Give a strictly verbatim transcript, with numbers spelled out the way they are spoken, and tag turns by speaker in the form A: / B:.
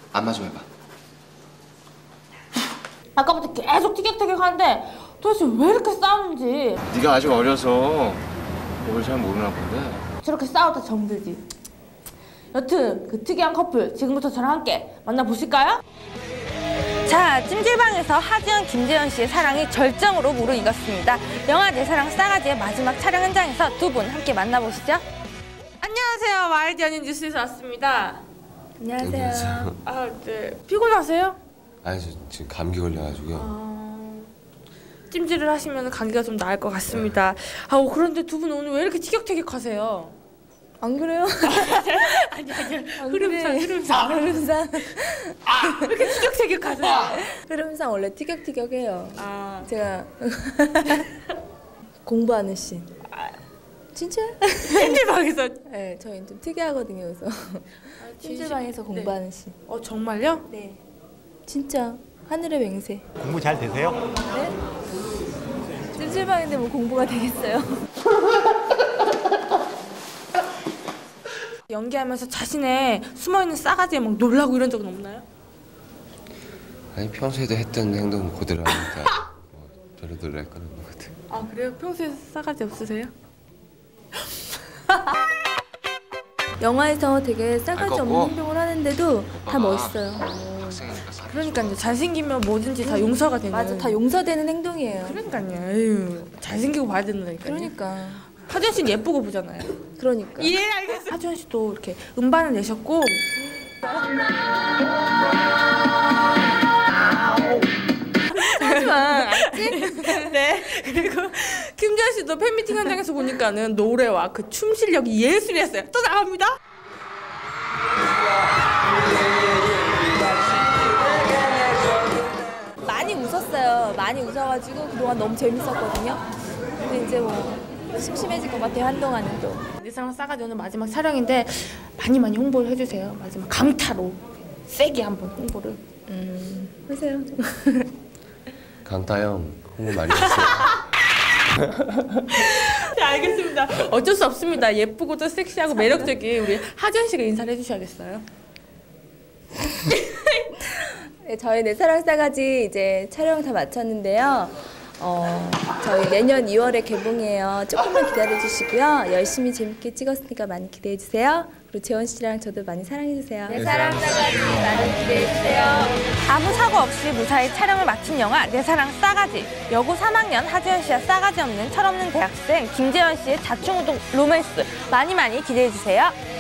A: 안마 좀 해봐.
B: 아까부터 계속 티격태격하는데 도대체 왜 이렇게 싸우는지.
A: 네가 아직 어려서 뭘 잘 모르나 본데.
B: 저렇게 싸우다 정들지. 여튼 그 특이한 커플 지금부터 저랑 함께 만나보실까요? 자, 찜질방에서 하지연, 김재현 씨의 사랑이 절정으로 무르익었습니다. 영화 내 사랑 싸가지의 마지막 촬영 현장에서 두 분 함께 만나보시죠. 안녕하세요. 와이드 연인 뉴스에서 왔습니다. 안녕하세요.
C: 안녕하세요.
B: 아, 네. 피곤하세요?
C: 아니, 저 지금 감기 걸려가지고요.
B: 아... 찜질을 하시면 감기가 좀 나을 것 같습니다. 아, 그런데 두 분 오늘 왜 이렇게 티격태격하세요?
D: 안 그래요?
B: 아니 아니 흐름상 흐름상
D: 흐름상
B: 아, 왜 이렇게 티격태격하세요?
D: 흐름상 원래 티격태격해요.
B: 아
D: 제가 공부하는 씬.
B: 아,
D: 진짜?
B: 찜질방에서?
D: 네, 저희 좀 특이하거든요. 그래서 아, 찜질방에서 공부하는
B: 네.
D: 씬.
B: 어 정말요?
D: 네. 진짜 하늘의 맹세.
E: 공부 잘 되세요?
D: 네? 찜질방인데 뭐 공부가 되겠어요?
B: 연기하면서 자신의 숨어있는 싸가지에 막 놀라고 이런 적은 없나요?
C: 아니, 평소에도 했던 행동 그대로 하니까 뭐 별로 놀랄 건 없는 것 같아요.
B: 아 그래요? 평소에 싸가지 없으세요?
D: 영화에서 되게 싸가지
A: 알
D: 없는
A: 거고?
D: 행동을 하는데도 다 멋있어요.
A: 학생이니까 사.
B: 그러니까요. 잘생기면 뭐든지 다 용서가 되는.
D: 맞아, 다 용서되는 행동이에요.
B: 그러니까요. 에휴, 잘생기고 봐야 된다니까요.
D: 그러니까.
B: 하지연 씨는 예쁘고 보잖아요.
D: 그러니까.
B: 예, 알겠어요. 하지연 씨도 이렇게 음반을 내셨고 하지만 알지? 네. 그리고 김재현 씨도 팬미팅 현장에서 보니까는 노래와 그 춤 실력이 예술이었어요. 또 나갑니다.
D: 많이 웃었어요. 많이 웃어가지고 그동안 너무 재밌었거든요. 근데 이제 뭐 심심해질 것 같아요. 한동안은 또.
B: 내 사랑 싸가지 오늘 마지막 촬영인데 많이 많이 홍보를 해주세요. 마지막 강타로 세게 한번 홍보를.
D: 음, 하세요.
C: 강타 형 홍보 많이 했어요.
B: 네, 알겠습니다. 어쩔 수 없습니다. 예쁘고도 섹시하고 매력적인 우리 하지연 씨가 인사를 해주셔야겠어요.
D: 네, 저희 내 사랑 싸가지 이제 촬영 다 마쳤는데요. 어, 저희 내년 이월에 개봉해요. 조금만 기다려주시고요. 열심히 재밌게 찍었으니까 많이 기대해주세요. 그리고 재원 씨랑 저도 많이 사랑해주세요. 내 사랑 싸가지 많이 기대해주세요.
B: 아무 사고 없이 무사히 촬영을 마친 영화 내 사랑 싸가지. 여고 삼 학년 하지연 씨와 싸가지 없는 철없는 대학생 김재현 씨의 자충우동 로맨스 많이 많이 기대해주세요.